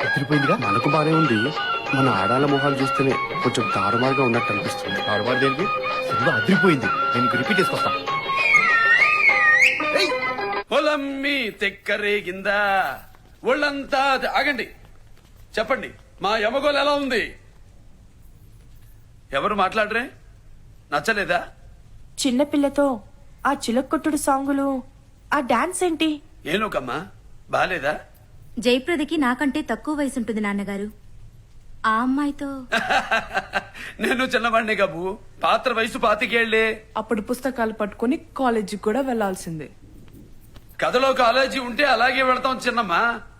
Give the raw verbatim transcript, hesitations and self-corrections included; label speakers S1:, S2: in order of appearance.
S1: అదిరిపోయిందిగా.
S2: మనకు బానే ఉంది, మన ఆడాల మొహాలు చూస్తేనే కొంచెం తారుమారుగా ఉన్నట్టు అనిపిస్తుంది.
S1: ఆడవాడు దేనికి? సినిమా అదిరిపోయింది. నేను ఇంక రిపీట్ చేసుకొస్తా.
S3: పొలమ్మి తెక్కరేగిందా ఒళ్ళంతా ఆగండి. చెప్పండి, మా యమగోలు ఎలా ఉంది? ఎవరు మాట్లాడరే? నచ్చలేదా?
S4: చిన్నపిల్లతో ఆ చిలక్కొట్టుడు సాంగులు, ఆ డాన్స్ ఏంటి?
S3: ఏనుకమ్మా, బాలేదా?
S5: జయప్రదకి నాకంటే తక్కువ వయసు ఉంటుంది నాన్నగారు. ఆ అమ్మాయితో
S3: నేను చిన్నవాడిని కాబు, పాత్ర వయసు పాతికేళ్లే.
S4: అప్పుడు పుస్తకాలు పట్టుకుని కాలేజీకి కూడా వెళ్లాల్సిందే.
S3: కథలో కాలేజీ ఉంటే అలాగే వెళతాం చిన్నమ్మా.